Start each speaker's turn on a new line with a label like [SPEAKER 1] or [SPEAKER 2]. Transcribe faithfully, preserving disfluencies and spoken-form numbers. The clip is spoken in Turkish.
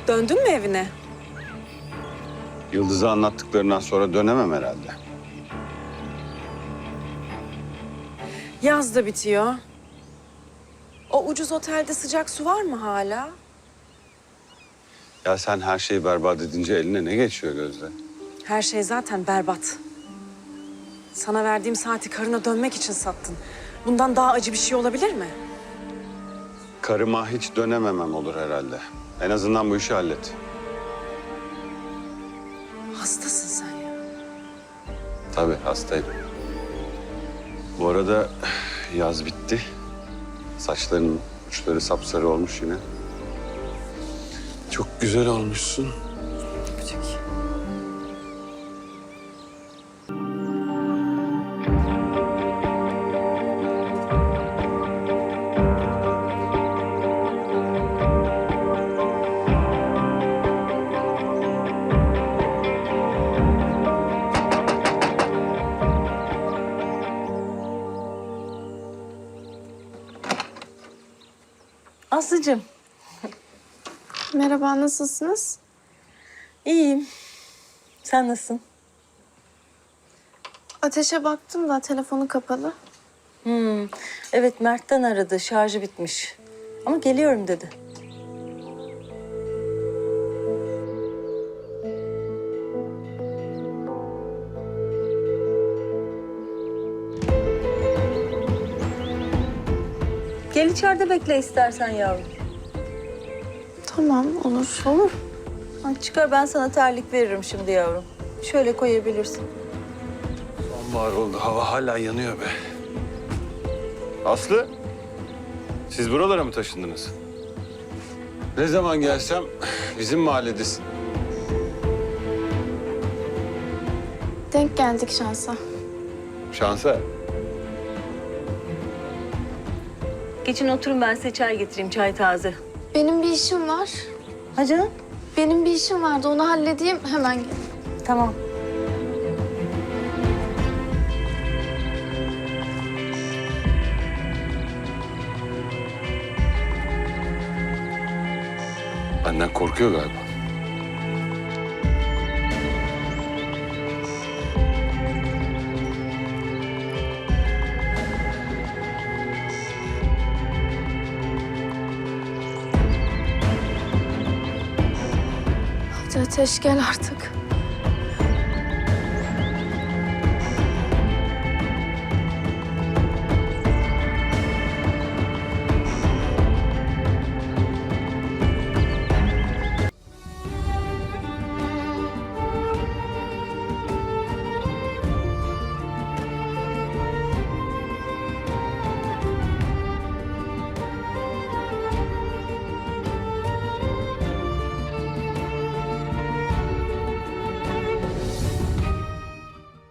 [SPEAKER 1] Döndün mü evine?
[SPEAKER 2] Yıldız'a anlattıklarından sonra dönemem herhalde.
[SPEAKER 1] Yaz da bitiyor. O ucuz otelde sıcak su var mı hala?
[SPEAKER 2] Ya sen her şeyi berbat edince eline ne geçiyor Gözde?
[SPEAKER 1] Her şey zaten berbat. Sana verdiğim saati karına dönmek için sattın. Bundan daha acı bir şey olabilir mi?
[SPEAKER 2] Karıma hiç dönememem olur herhalde. En azından bu işi hallet.
[SPEAKER 1] Hastasın sen ya.
[SPEAKER 2] Tabii hastayım. Bu arada yaz bitti. Saçların uçları sapsarı olmuş yine. Çok güzel olmuşsun.
[SPEAKER 1] Öpecek. Aslıcığım.
[SPEAKER 3] Merhaba, nasılsınız?
[SPEAKER 1] İyiyim. Sen nasılsın?
[SPEAKER 3] Ateşe baktım da telefonu kapalı.
[SPEAKER 1] Hmm. Evet, Mert'ten aradı. Şarjı bitmiş. Ama geliyorum dedi. Gel içeride bekle istersen yavrum.
[SPEAKER 3] Tamam, olur.
[SPEAKER 1] Olur. Ha, çıkar, ben sana terlik veririm şimdi yavrum. Şöyle koyabilirsin.
[SPEAKER 2] Sonbahar oldu. Hava hala yanıyor be. Aslı, siz buralara mı taşındınız? Ne zaman gelsem bizim mahalledesin.
[SPEAKER 3] Denk geldik şansa.
[SPEAKER 2] Şansa.
[SPEAKER 1] Geçin oturun, ben size çay getireyim, çay taze.
[SPEAKER 3] Benim bir işim var.
[SPEAKER 1] Ha canım?
[SPEAKER 3] Benim bir işim vardı, onu halledeyim, hemen gel.
[SPEAKER 1] Tamam.
[SPEAKER 2] Benden korkuyor galiba.
[SPEAKER 3] Hadi Ateş, gel artık.